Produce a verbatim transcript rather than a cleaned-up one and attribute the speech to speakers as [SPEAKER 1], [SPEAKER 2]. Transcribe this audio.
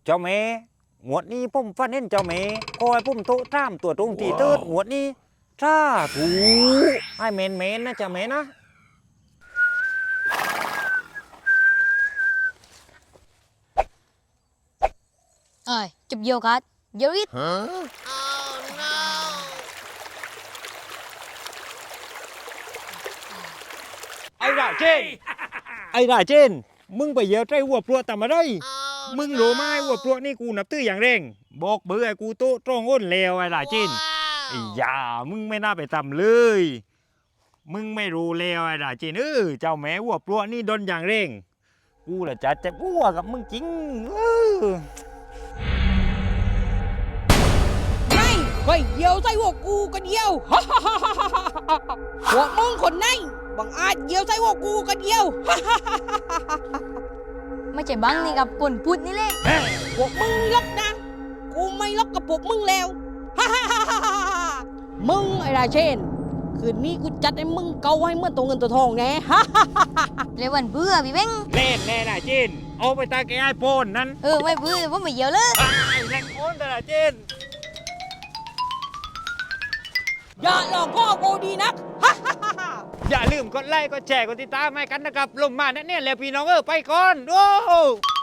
[SPEAKER 1] เจ้าแม่หมวดนี้ผมฟันเห็นเจ้าแม่คอยผมโตตามตัวตรงตีเติร์ดหมวดนี้ถ้าถูให้เมนเมนนะเจ้าแม่นะ
[SPEAKER 2] เอ้ยจับเยียวกัดเยียวอิด
[SPEAKER 1] ไอ้ราเจนไอ้ราเจนมึงไปเยอะใจหัวปลวกทำอะไรมึงรู้ไหมหัวปลวกนี่กูนับตื้ออย่างเร่งบอกเบื่อกูโตตรงอ้นเลวไอ้ราเจนไอ้ยามึงไม่น่าไปทำเลยมึงไม่รู้เลวไอ้ราเจนเออเจ้าแม่หัวปลวกนี่โดนอย่างเร่งกูละจะจะอ้วกกับมึงจริงเออ
[SPEAKER 3] ไม่ก็เยียวใส่หัวกูก็เดียว หัวมึงคนไหนบังอาจเยียวใส่หัวกูก็เดียว
[SPEAKER 2] ไม่ใช่บังนี่กับปนพุดนี่เลย
[SPEAKER 3] พวกมึงล็อกนะ กูไม่ล็อกกับพวกมึงแล้ว มึงไอ้ราเชน คืนนี้กูจัดให้มึงเกาให้เหมื่อนตัวเงินตัวทองแน่
[SPEAKER 2] เลยวันเบื่อพี่เบ้ง
[SPEAKER 1] เล่นแน่ราเจนเอาไปตาแกไอ้โปนนั้น
[SPEAKER 2] เออไม่เบื่อผมไม่เยียวเลย
[SPEAKER 1] ไอ้แรงโอนแต่ราเจน
[SPEAKER 3] อย่าหลอกพ่อกูดีนัก
[SPEAKER 1] อย่าลืมกดไลค์กดแชร์กดติดตามให้กันนะครับ ลงมาแน่ๆแล้วพี่น้องเออไปก่อนโอ้